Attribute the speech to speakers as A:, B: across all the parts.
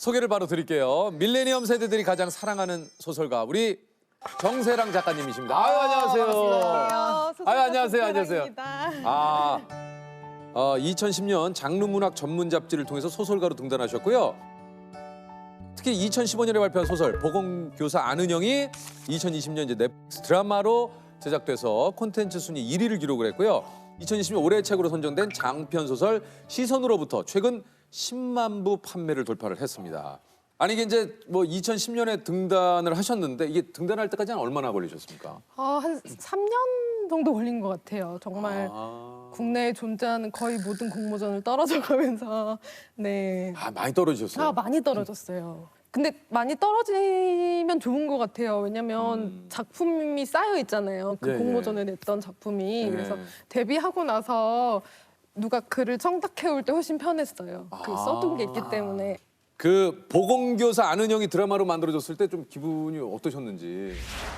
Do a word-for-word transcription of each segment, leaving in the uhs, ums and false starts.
A: 소개를 바로 드릴게요. 밀레니엄 세대들이 가장 사랑하는 소설가 우리 정세랑 작가님이십니다. 아유 안녕하세요.
B: 안녕하세요.
A: 아유 안녕하세요. 안녕하세요.
B: 정세랑입니다.
A: 아, 어, 이천십 년 장르문학 전문 잡지를 통해서 소설가로 등단하셨고요. 특히 이천십오 년에 발표한 소설 보건교사 안은영이 이천이십 년 이제 넷플릭스 드라마로 제작돼서 콘텐츠 순위 일 위를 기록을 했고요. 이천이십 년 올해의 책으로 선정된 장편 소설 시선으로부터 최근 십만 부 판매를 돌파를 했습니다. 아니 이게 이제 뭐 이천십 년에 등단을 하셨는데 이게 등단할 때까지는 얼마나 걸리셨습니까?
B: 아, 한 삼 년 정도 걸린 것 같아요. 정말
A: 아,
B: 국내에 존재하는 거의 모든 공모전을 떨어져가면서 네.
A: 아 많이 떨어지셨어요.
B: 아, 많이 떨어졌어요. 근데 많이 떨어지면 좋은 것 같아요. 왜냐면
A: 음.
B: 작품이 쌓여 있잖아요. 그
A: 예,
B: 공모전에 냈던 작품이.
A: 예.
B: 그래서 데뷔하고 나서 누가 글을 청탁해올 때 훨씬 편했어요. 그
A: 아.
B: 써둔 게 있기 때문에.
A: 그 보건교사 안은영이 드라마로 만들어졌을 때 좀 기분이 어떠셨는지.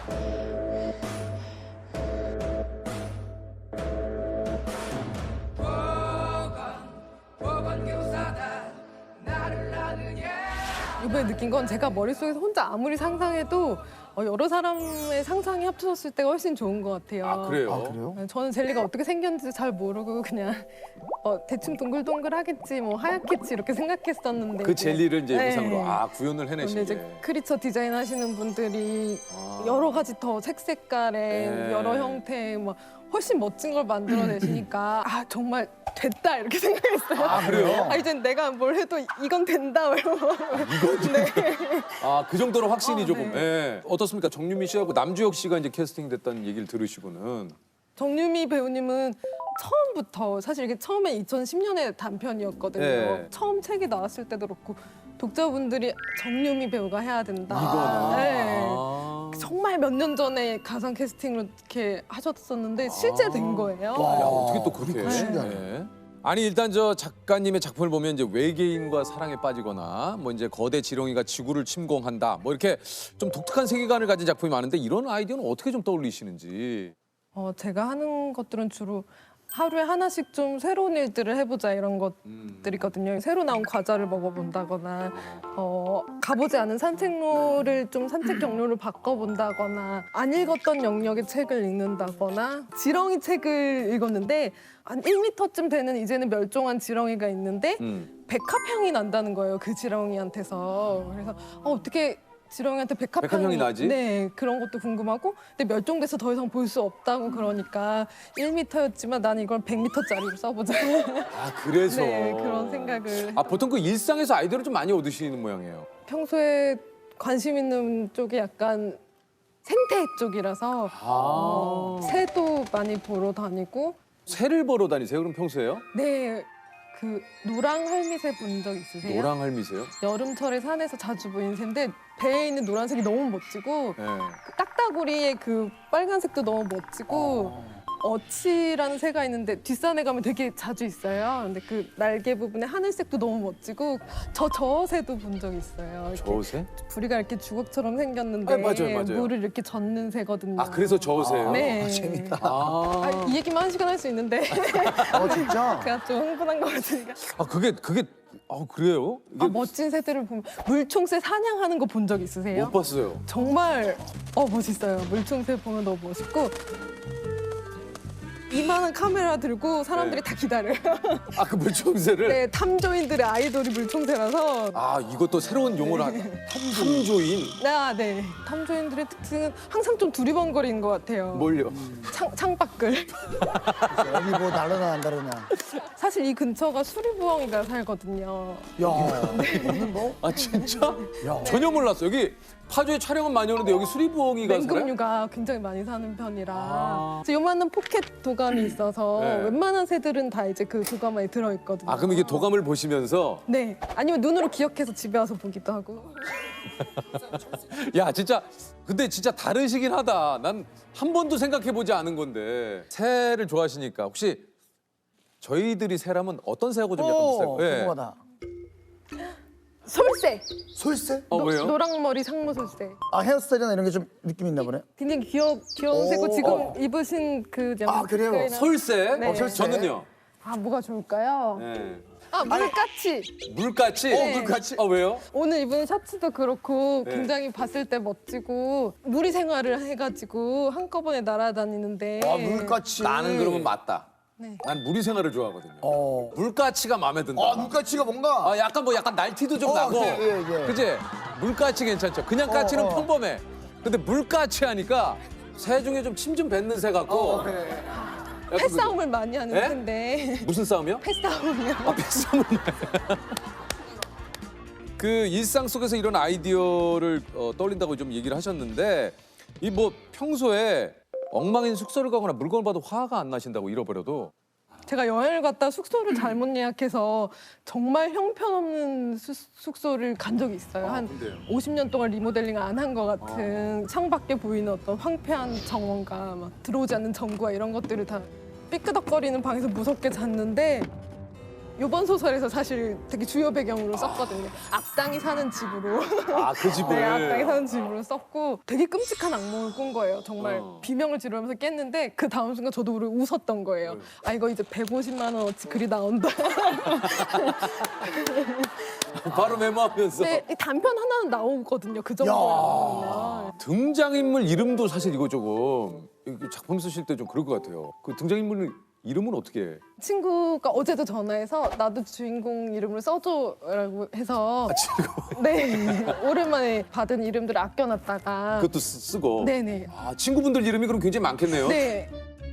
B: 이번에 느낀 건 제가 머릿속에서 혼자 아무리 상상해도 어, 여러 사람의 상상이 합쳐졌을 때가 훨씬 좋은 것 같아요.
A: 아 그래요?
C: 아, 그래요?
B: 저는 젤리가 어떻게 생겼는지 잘 모르고 그냥 어, 대충 동글동글하겠지 뭐 하얗겠지 이렇게 생각했었는데
A: 그 젤리를 이제
B: 네.
A: 의상으로 아 구현을
B: 근데
A: 해내신 게.
B: 이제 크리처 디자인 하시는 분들이
A: 아.
B: 여러 가지 더 색색깔의
A: 네.
B: 여러 형태의 막 훨씬 멋진 걸 만들어내시니까 아 정말 됐다 이렇게 생각했어요.
A: 아 그래요?
B: 아, 이제 내가 뭘 해도 이건 된다 이러고 네.
A: 아 그 정도로 확신이
B: 아,
A: 조금.
B: 네.
A: 예. 어떻습니까? 정유미 씨하고 남주혁 씨가 이제 캐스팅됐다는 얘기를 들으시고는.
B: 정유미 배우님은 처음부터 사실 이게 처음에 이천십 년에 단편이었거든요.
A: 네.
B: 처음 책이 나왔을 때도 그렇고 독자분들이 정유미 배우가 해야 된다.
A: 이거는.
B: 네.
A: 아.
B: 정말 몇 년 전에 가상 캐스팅으로 이렇게 하셨었는데 실제 된 거예요.
A: 야 어떻게 또 그렇게?
C: 그러니까 신기하네.
A: 예. 아니 일단 저 작가님의 작품을 보면 이제 외계인과 사랑에 빠지거나 뭐 이제 거대 지렁이가 지구를 침공한다 뭐 이렇게 좀 독특한 세계관을 가진 작품이 많은데 이런 아이디어는 어떻게 좀 떠올리시는지.
B: 어, 제가 하는 것들은 주로 하루에 하나씩 좀 새로운 일들을 해보자 이런
A: 음.
B: 것들이거든요. 새로 나온 과자를 먹어본다거나 어, 가보지 않은 산책로를 좀 산책 경로를 바꿔본다거나 안 읽었던 영역의 책을 읽는다거나 지렁이 책을 읽었는데 한 일 미터쯤 되는 이제는 멸종한 지렁이가 있는데
A: 음.
B: 백합향이 난다는 거예요. 그 지렁이한테서. 그래서 어, 어떻게 지렁이한테 백합향이,
A: 백합향이 나지?
B: 네, 그런 것도 궁금하고 근데 멸종돼서 더 이상 볼 수 없다고 그러니까 일 미터였지만 나는 이걸 백 미터짜리로 써보자.
A: 아 그래서.
B: 네, 그런 생각을.
A: 아 보통 그 일상에서 아이디어를 좀 많이 얻으시는 모양이에요.
B: 평소에 관심 있는 쪽이 약간 생태 쪽이라서
A: 아.
B: 어, 새도 많이 보러 다니고
A: 새를 보러 다니세요? 그럼 평소에요?
B: 네, 그 노랑 할미새 본 적 있으세요?
A: 노랑 할미세요?
B: 여름철에 산에서 자주 보이는 새인데 배에 있는 노란색이 너무 멋지고
A: 네.
B: 그 딱따구리의 그 빨간색도 너무 멋지고 어치라는 새가 있는데 뒷산에 가면 되게 자주 있어요. 근데 그 날개 부분에 하늘색도 너무 멋지고 저 저새도 본 적 있어요. 이렇게
A: 저새?
B: 부리가 이렇게 주걱처럼 생겼는데
A: 아, 맞아요, 맞아요.
B: 물을 이렇게 젓는 새거든요.
A: 아 그래서 저새요?
B: 네.
C: 아, 재밌다.
A: 아,
B: 아, 이 얘기만 한 시간 할 수 있는데
C: 어, 진짜?
B: 제가 좀 흥분한 것 같으니까.
A: 아 그게 그게 아 그래요? 이게
B: 아, 멋진 새들을 보면 물총새 사냥하는 거 본 적 있으세요?
A: 못 봤어요.
B: 정말 어 멋있어요. 물총새 보면 너무 멋있고 이만한 카메라 들고 사람들이
A: 네.
B: 다 기다려요.
A: 아 그 물총새를?
B: 네, 탐조인들의 아이돌이 물총새라서.
A: 아 이것도 새로운 용어를 한 탐조인.
B: 아, 네. 탐조인들의 특징은 항상 좀 두리번거리는 것 같아요.
A: 뭘요?
B: 창, 창밖을.
C: 여기 뭐 날라나 안 다르냐.
B: 사실 이 근처가 수리부엉이가 살거든요.
C: 야, 오늘 뭐?
A: 아 진짜?
C: 야.
A: 전혀 몰랐어. 여기 파주에 촬영은 많이 오는데 여기 수리부엉이가 살아요?
B: 맹금류가 굉장히 많이 사는 편이라
A: 아.
B: 그래서 요만한 포켓 도감이 있어서
A: 네.
B: 웬만한 새들은 다 이제 그 도감 안에 들어있거든요.
A: 아 그럼 이게 도감을 보시면서
B: 네. 아니면 눈으로 기억해서 집에 와서 보기도 하고.
A: 야 진짜 근데 진짜 다르시긴 하다. 난 한 번도 생각해보지 않은 건데 새를 좋아하시니까 혹시 저희들이 새라면 어떤 새하고 좀 약간
C: 오,
A: 비슷할까요? 예.
C: 궁금하다.
B: 솔새.
C: 솔새?
A: 어
B: 노-
A: 왜요?
B: 노랑머리 상무솔새.
C: 아, 헤어스타일이나 이런 게 좀 느낌 있나 보네.
B: 굉장히 귀여, 귀여운
C: 오,
B: 새고 지금
C: 어.
B: 입으신 그
C: 아, 그래요?
B: 색깔이나-
A: 솔새?
B: 네.
A: 어, 솔새? 저는요?
B: 아, 뭐가 좋을까요?
A: 네.
B: 아 물같이
A: 물같이?
C: 어, 물같이?
A: 아 왜요?
B: 오늘 입은 셔츠도 그렇고
A: 네.
B: 굉장히 봤을 때 멋지고 무리 생활을 해가지고 한꺼번에 날아다니는데
C: 아, 물같이.
A: 나는 그러면 맞다.
B: 네.
A: 난 무리 생활을 좋아하거든요.
C: 어.
A: 물가치가 마음에 든다.
C: 아, 물같이가 뭔가.
A: 아, 약간 뭐 약간 날티도 좀
C: 어,
A: 나고.
C: 예, 예, 예.
A: 그지? 물가치 괜찮죠. 그냥 까치는
C: 어, 어.
A: 평범해. 근데 물가치 하니까 새 중에 좀 침 좀 뱉는 새 같고.
C: 어, 예.
A: 약간
B: 패싸움을 많이 하는
A: 예?
B: 텐데
A: 그- 무슨 싸움이요?
B: 패싸움이요.
A: 아, 패싸움을. 그 일상 속에서 이런 아이디어를 어, 떠올린다고 좀 얘기를 하셨는데 이 뭐 평소에 엉망인 숙소를 가거나 물건을 봐도 화가 안 나신다고 잃어버려도
B: 제가 여행을 갔다 숙소를 잘못 예약해서 정말 형편없는 수- 숙소를 간 적이 있어요. 한
A: 근데요?
B: 오십 년 동안 리모델링 안 한 것 같은 창밖에 보이는 어떤 황폐한 정원과 막 들어오지 않는 전구와 이런 것들을 다 삐끄덕거리는 방에서 무섭게 잤는데 이번 소설에서 사실 되게 주요 배경으로 썼거든요. 악당이 사는 집으로.
A: 아, 그 집을.
B: 네, 악당이 사는 집으로 썼고 되게 끔찍한 악몽을 꾼 거예요. 정말
A: 어.
B: 비명을 지르면서 깼는데 그 다음 순간 저도 모르게 웃었던 거예요. 아 이거 이제 백오십만 원어치 글이 나온다.
A: 바로 메모하면서.
B: 근데 이 단편 하나는 나오거든요. 그 정도면.
A: 등장인물 이름도 사실 이거 조금 이거 작품 쓰실 때 좀 그럴 것 같아요. 그 등장인물 이름은 어떻게 해?
B: 친구가 어제도 전화해서 나도 주인공 이름을 써줘라고 해서
A: 아,
B: 네 오랜만에 받은 이름들을 아껴놨다가
A: 그것도 쓰, 쓰고.
B: 네네
A: 아, 친구분들 이름이 그럼 굉장히 많겠네요.
B: 네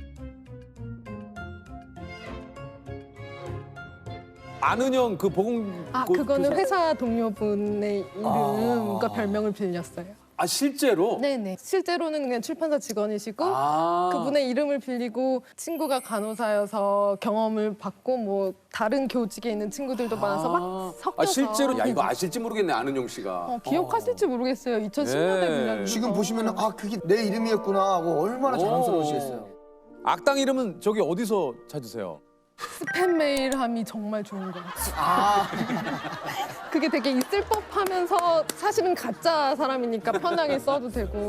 A: 안은영 그 보공.
B: 아
A: 그-
B: 그거는
A: 그-
B: 회사 동료분의 이름과
A: 아.
B: 별명을 빌렸어요.
A: 아 실제로?
B: 네네 실제로는 그냥 출판사 직원이시고
A: 아.
B: 그분의 이름을 빌리고 친구가 간호사여서 경험을 받고 뭐 다른 교직에 있는 친구들도 많아서 막 섞여서
A: 아 실제로 야 이거 아실지 모르겠네 안은영 씨가.
B: 어, 기억하실지 모르겠어요. 이천십 년대
A: 네.
B: 분량이
C: 지금 보시면은 아, 그게 내 이름이었구나 하고 얼마나 자랑스러우시겠어요.
A: 악당 이름은 저기 어디서 찾으세요?
B: 스팸 메일함이 정말 좋은 것 같아요.
C: 아,
B: 그게 되게 있을 법하면서 사실은 가짜 사람이니까 편하게 써도 되고.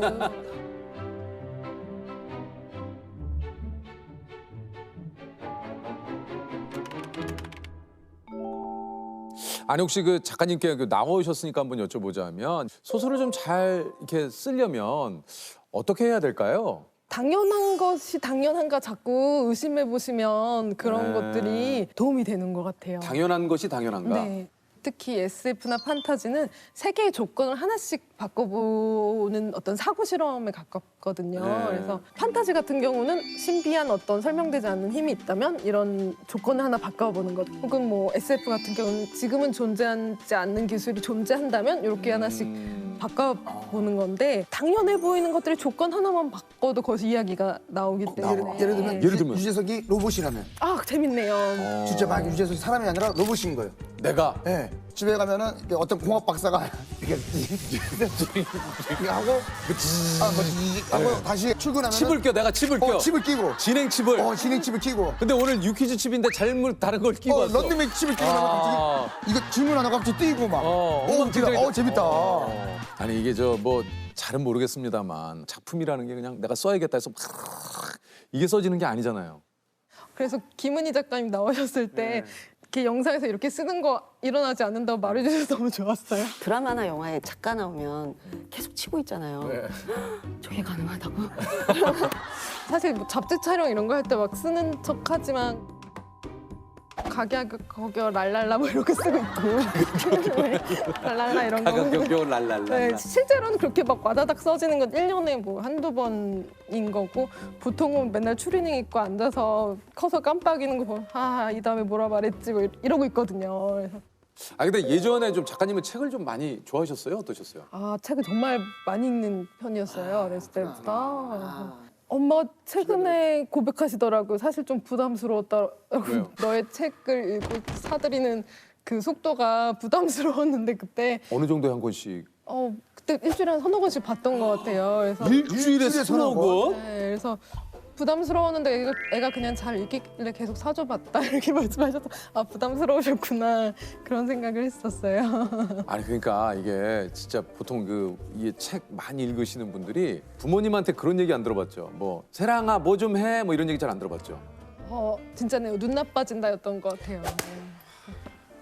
A: 아니 혹시 그 작가님께 그 나오셨으니까 한번 여쭤보자면 소설을 좀 잘 이렇게 쓰려면 어떻게 해야 될까요?
B: 당연한 것이 당연한가 자꾸 의심해 보시면 그런
A: 네.
B: 것들이 도움이 되는 것 같아요.
A: 당연한 것이 당연한가?
B: 네. 특히 에스에프나 판타지는 세 개의 조건을 하나씩 바꿔보는 어떤 사고 실험에 가깝거든요.
A: 네.
B: 그래서 판타지 같은 경우는 신비한 어떤 설명되지 않는 힘이 있다면 이런 조건을 하나 바꿔보는 것. 혹은 뭐 에스에프 같은 경우는 지금은 존재하지 않는 기술이 존재한다면 이렇게 하나씩
A: 음.
B: 바꿔보는 건데 당연해 보이는 것들이 조건 하나만 바꿔도 거기서 이야기가 나오기 때문에
C: 나와. 예를 들면
A: 예를 들면?
C: 유재석이 로봇이라면
B: 아 재밌네요.
A: 어.
C: 진짜 막 유재석이 사람이 아니라 로봇인 거예요.
A: 내가
C: 예. 집에 가면은 이렇게 어떤 공학 박사가 이렇게 이렇게 하고 아, 뭐, 하고 다시 출근하면
A: 칩을 껴 내가 칩을 껴
C: 어, 칩을 끼고
A: 진행 칩을.
C: 어, 진행 칩을 끼고
A: 근데 오늘 유퀴즈 칩인데 잘못 다른 걸 끼고
C: 어,
A: 왔어.
C: 런닝맨 칩을 끼고
A: 아.
C: 나면 갑자기 이거 질문 하나 갑자기 뛰고 막
A: 어,
C: 어,
A: 음악
C: 재밌다.
A: 굉장히-
C: 어, 재밌다.
A: 어. 아니 이게 저 뭐 잘은 모르겠습니다만 작품이라는 게 그냥 내가 써야겠다 해서 막 이게 써지는 게 아니잖아요.
B: 그래서 김은희 작가님 나오셨을 때
A: 네.
B: 이렇게 영상에서 이렇게 쓰는 거 일어나지 않는다고 말해주셔서 너무 좋았어요.
D: 드라마나 영화에 작가 나오면 계속 치고 있잖아요.
A: 네.
D: 저게 가능하다고?
B: 사실 뭐 잡지 촬영 이런 거 할 때 막 쓰는 척하지만 가게 거겨 랄랄라 뭐 이렇게 쓰고 있고 네. 랄랄라 이런 거.
A: 가격격격 랄랄라.
B: 네, 실제로는 그렇게 막 와다닥 써지는 건 일 년에 뭐 한두 번인 거고 보통은 맨날 추리닝 입고 앉아서 커서 깜빡이는 거 보면 아, 이 다음에 뭐라 말했지 뭐 이러고 있거든요. 그래서
A: 아 근데 예전에 좀 작가님은 책을 좀 많이 좋아하셨어요? 어떠셨어요?
B: 아, 책을 정말 많이 읽는 편이었어요. 어렸을 때부터. 엄마 최근에 고백하시더라고요. 사실 좀 부담스러웠다고.
A: 왜요?
B: 너의 책을 읽고 사들이는 그 속도가 부담스러웠는데 그때
A: 어느 정도에 한 권씩?
B: 어 그때 일주일에 한 서너 권씩 봤던 것 같아요. 그래서
A: 일주일에
C: 일주일에
A: 서너
C: 서너
A: 권?
B: 네, 그래서 부담스러웠는데 애가, 애가 그냥 잘 읽길래 계속 사줘봤다 이렇게 말씀하셔서 아 부담스러우셨구나 그런 생각을 했었어요.
A: 아니 그러니까 이게 진짜 보통 그 이게 책 많이 읽으시는 분들이 부모님한테 그런 얘기 안 들어봤죠. 뭐 세랑아 뭐 좀 해 뭐 이런 얘기 잘 안 들어봤죠.
B: 어 진짜네요. 눈 나빠진다였던 것 같아요. 네.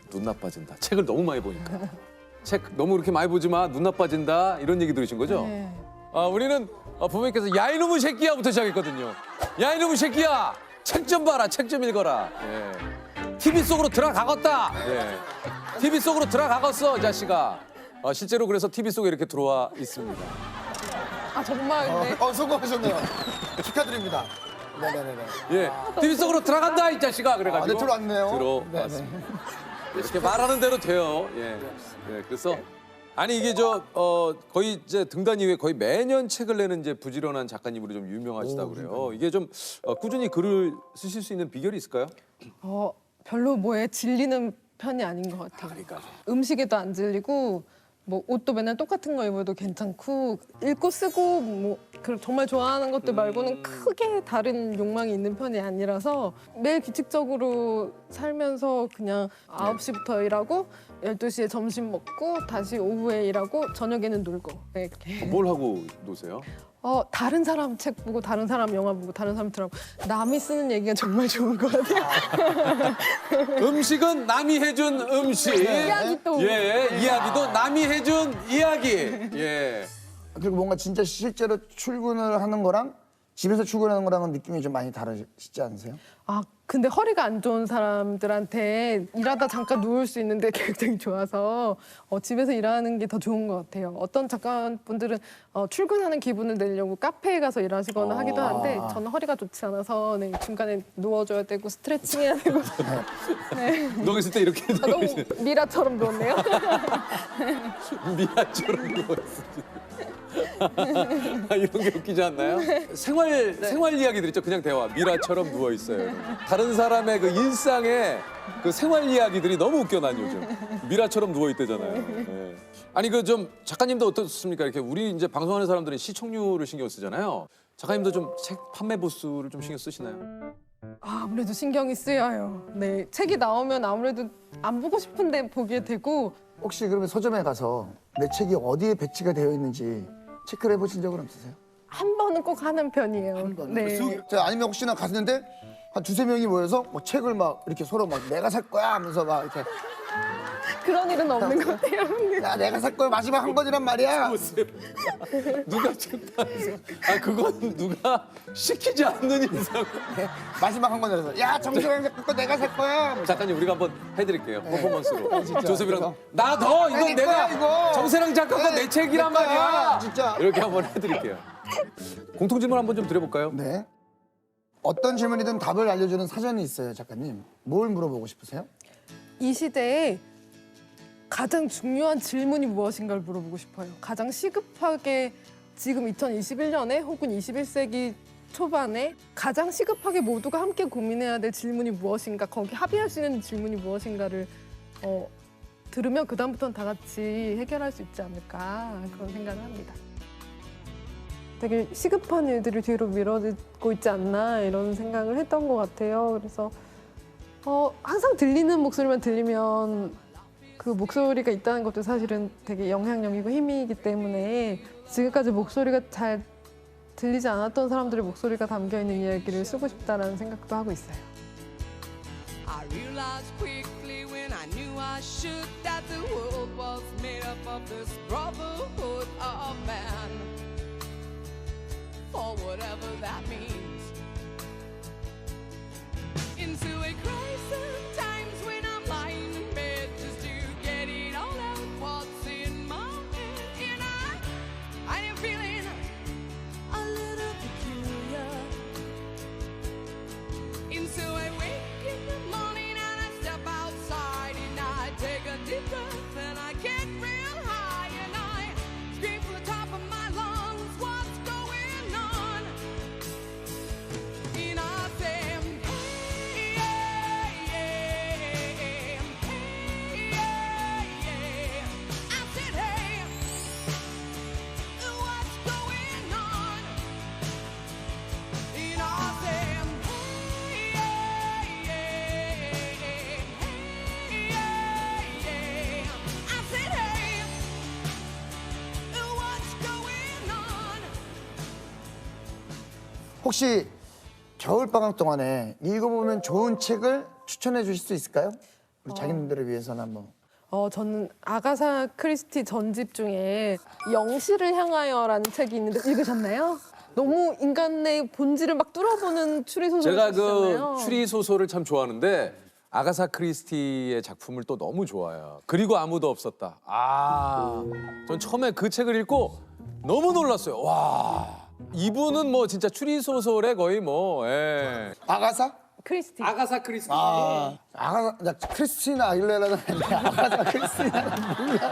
A: 눈 나빠진다. 책을 너무 많이 보니까. 책 너무 그렇게 많이 보지 마. 눈 나빠진다. 이런 얘기 들으신 거죠?
B: 네.
A: 아, 우리는 어, 부모님께서 야 이놈의 새끼야부터 시작했거든요. 야 이놈의 새끼야. 책 좀 봐라. 책 좀 읽어라. 예. 티비 속으로 들어가겠다. 예. 티비 속으로 들어가겠어, 이 자식아. 어, 실제로 그래서 티비 속에 이렇게 들어와 있습니다.
B: 아 정말 근데
C: 어, 성공하셨네요. 축하드립니다. 네네네네.
A: 예. 티비 속으로 들어간다, 이 자식아. 그래가지고.
C: 아, 네, 들어왔네요.
A: 들어왔습니다. 이렇게 말하는 대로 돼요. 예. 예. 그래서 아니 이게 저 어, 거의 이제 등단 이후에 거의 매년 책을 내는 이제 부지런한 작가님으로 좀 유명하시다고 그래요. 이게 좀 어, 꾸준히 글을 쓰실 수 있는 비결이 있을까요?
B: 어, 별로 뭐에 질리는 편이 아닌 것 같아요.
A: 그러니까.
B: 음식에도 안 질리고 뭐 옷도 맨날 똑같은 거 입어도 괜찮고 읽고 쓰고 뭐 그 정말 좋아하는 것들 말고는 크게 다른 욕망이 있는 편이 아니라서 매일 규칙적으로 살면서 그냥 아홉 시부터 일하고 열두 시에 점심 먹고 다시 오후에 일하고 저녁에는 놀고 네, 이렇게.
A: 뭘 하고 노세요?
B: 어, 다른 사람 책 보고 다른 사람 영화 보고 다른 사람 드라마 남이 쓰는 얘기가 정말 좋은 것 같아요.
A: 음식은 남이 해준 음식.
B: 이야기 또.
A: 예, 이야기도 남이 해준 이야기. 예.
C: 그리고 뭔가 진짜 실제로 출근을 하는 거랑 집에서 출근하는 거랑은 느낌이 좀 많이 다르시지 않으세요?
B: 아 근데 허리가 안 좋은 사람들한테 일하다 잠깐 누울 수 있는데 굉장히 좋아서 어, 집에서 일하는 게 더 좋은 것 같아요. 어떤 작가분들은 어, 출근하는 기분을 내려고 카페에 가서 일하시거나 하기도 하는데 저는 허리가 좋지 않아서 네, 중간에 누워줘야 되고 스트레칭 해야 되고 네.
A: 너 있을 때 이렇게
B: 아, 너무 미라처럼 누웠네요.
A: 미아처럼 누워있어. 아, 이런 게 웃기지 않나요? 생활 생활 이야기들 있죠. 그냥 대화. 미라처럼 누워 있어요. 다른 사람의 그 일상의 그 생활 이야기들이 너무 웃겨 난 요즘. 미라처럼 누워 있대잖아요. 예. 아니 그 좀 작가님도 어떻습니까? 이렇게 우리 이제 방송하는 사람들은 시청률을 신경 쓰잖아요. 작가님도 좀 책 판매 부수를 좀 신경 쓰시나요?
B: 아, 아무래도 신경이 쓰여요. 네, 책이 나오면 아무래도 안 보고 싶은데 보게 되고
C: 혹시 그러면 서점에 가서 내 책이 어디에 배치가 되어 있는지 체크를 해보신 적은 없으세요?
B: 한 번은 꼭 하는 편이에요. 네.
C: 자, 아니면 혹시나 갔는데 한 두세 명이 모여서 뭐 책을 막 이렇게 서로 막 내가 살 거야 하면서 막 이렇게
B: 그런 일은 없는 것 같아요.
C: 야 내가 살 거야 마지막 한 권이란 말이야.
A: 누가 책판에서 아 그건 누가 시키지 않는 이상.
C: 마지막 한 권이라서 야 정수영 작가 거 내가 살 거야.
A: 작가님 우리가 한번 해드릴게요. 퍼포먼스로.
C: 진짜.
A: 조셉이랑 나 더 이건
C: 내
A: 내가
C: 거야, 이거.
A: 정세랑 작가 거 내
C: 네,
A: 책이란
C: 내 거야,
A: 말이야.
C: 진짜.
A: 이렇게 한번 해드릴게요. 공통 질문 한번 좀 드려볼까요?
C: 네. 어떤 질문이든 답을 알려주는 사전이 있어요, 작가님. 뭘 물어보고 싶으세요?
B: 이 시대에 가장 중요한 질문이 무엇인가를 물어보고 싶어요. 가장 시급하게 지금 이천이십일 년에 혹은 이십일 세기 초반에 가장 시급하게 모두가 함께 고민해야 될 질문이 무엇인가, 거기 합의할 수 있는 질문이 무엇인가를 어, 들으면 그다음부터는 다 같이 해결할 수 있지 않을까 그런 생각을 합니다. 되게 시급한 일들이 뒤로 미뤄지고 있지 않나 이런 생각을 했던 것 같아요. 그래서 어, 항상 들리는 목소리만 들리면 그 목소리가 있다는 것도 사실은 되게 영향력이고 힘이기 때문에 지금까지 목소리가 잘 들리지 않았던 사람들의 목소리가 담겨있는 이야기를 쓰고 싶다라는 생각도 하고 있어요.
E: I realized quickly when I knew I should that the world was made up of this brotherhood of man. For whatever that means. Into a crisis times when I'm lying in bed just to get it all out what's in my head. And I, I am feeling a little peculiar. And so I wake in the morning and I step outside and I take a deep breath and I get real high and I scream from the top of my lungs, what's going on? And I say, hey, yeah, yeah, hey, yeah, yeah. I said, hey, what's going on? And I say, hey, yeah, yeah, hey, yeah, yeah. I said, hey, what's going on?
C: 혹시 겨울방학 동안에 읽어보면 좋은 책을 추천해 주실 수 있을까요? 우리 자기님들을 위해서는 한번.
B: 어, 저는 아가사 크리스티 전집 중에 영시를 향하여라는 책이 있는데 읽으셨나요? 너무 인간의 본질을 막 뚫어보는 추리 소설을
A: 제가
B: 쓰시잖아요.
A: 그 추리 소설을 참 좋아하는데 아가사 크리스티의 작품을 또 너무 좋아해요. 그리고 아무도 없었다. 아, 전 처음에 그 책을 읽고 너무 놀랐어요. 와, 이분은 뭐 진짜 추리 소설에 거의 뭐 예.
C: 아가사?
B: 크리스티.
A: 아가사 크리스티.
C: 아, 아가사, 나 크리스티나 아길레라는 아닌데 아가사 크리스티나는 몰라요.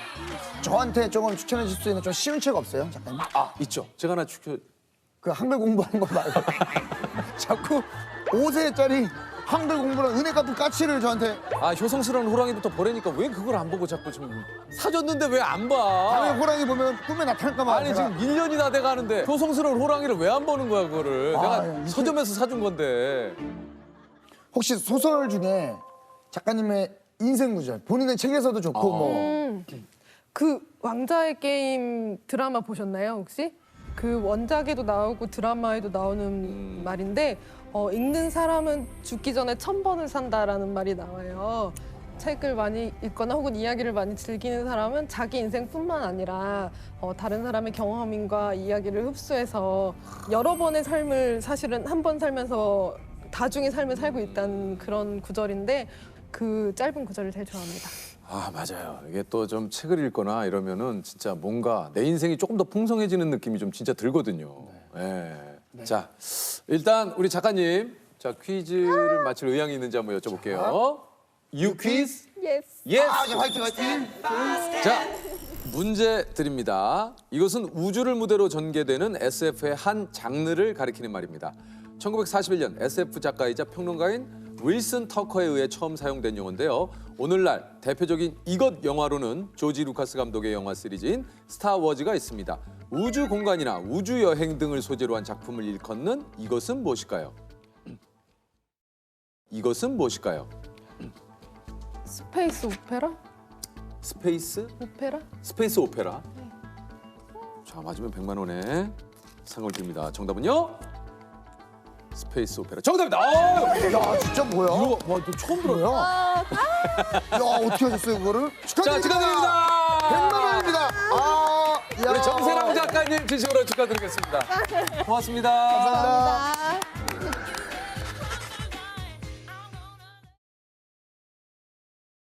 C: 저한테 조금 추천해 줄 수 있는 좀 쉬운 책 없어요, 작가님?
A: 아, 있죠. 제가 하나 추천.
C: 그 한글 공부하는 거 말고 자꾸 오 세짜리 한글 공부랑 은혜 갚은 까치를 저한테
A: 아, 효성스러운 호랑이부터 보라니까 왜 그걸 안 보고 자꾸 지금 사줬는데 왜 안 봐?
C: 밤에 호랑이 보면 꿈에 나타날까 봐.
A: 아니
C: 제가.
A: 지금 일 년이 다 돼가는데 효성스러운 호랑이를 왜 안 보는 거야 그거를?
C: 아,
A: 내가
C: 야, 이게-
A: 서점에서 사준 건데.
C: 혹시 소설 중에 작가님의 인생 구절 본인의 책에서도 좋고 뭐
B: 음, 그 왕자의 게임 드라마 보셨나요 혹시? 그 원작에도 나오고 드라마에도 나오는 말인데 어, 읽는 사람은 죽기 전에 천 번을 산다라는 말이 나와요. 책을 많이 읽거나 혹은 이야기를 많이 즐기는 사람은 자기 인생뿐만 아니라 어, 다른 사람의 경험인과 이야기를 흡수해서 여러 번의 삶을 사실은 한 번 살면서 다중의 삶을 살고 있다는 그런 구절인데 그 짧은 구절을 제일 좋아합니다.
A: 아 맞아요. 이게 또 좀 책을 읽거나 이러면은 진짜 뭔가 내 인생이 조금 더 풍성해지는 느낌이 좀 진짜 들거든요. 네. 자 일단 우리 작가님 자 퀴즈를 맞힐 의향이 있는지 한번 여쭤볼게요. 유 퀴즈
B: 예스.
A: 예스.
C: 아, 예, 화이팅 화이팅.
A: 자 문제 드립니다. 이것은 우주를 무대로 전개되는 에스에프의 한 장르를 가리키는 말입니다. 천구백사십일 년 에스에프 작가이자 평론가인 윌슨 터커에 의해 처음 사용된 용어인데요. 오늘날 대표적인 이것 영화로는 조지 루카스 감독의 영화 시리즈인 스타워즈가 있습니다. 우주 공간이나 우주 여행 등을 소재로 한 작품을 일컫는 이것은 무엇일까요? 이것은 무엇일까요?
B: 스페이스 오페라?
A: 스페이스?
B: 오페라?
A: 스페이스 오페라. 자 맞으면 백만 원의 상을 드립니다. 정답은요? 스페이스 오페라. 정답입니다. 아,
C: 야, 진짜 뭐야?
A: 이거 와, 너 처음 들어요?
C: 뭐야? 야, 어떻게 하셨어요 그거를?
A: 자,
C: 축하드립니다.
A: 축하드립니다.
C: 백만 원입니다. 아, 야.
A: 우리 정세랑 작가님 진심으로 축하드리겠습니다. 고맙습니다.
C: 감사합니다.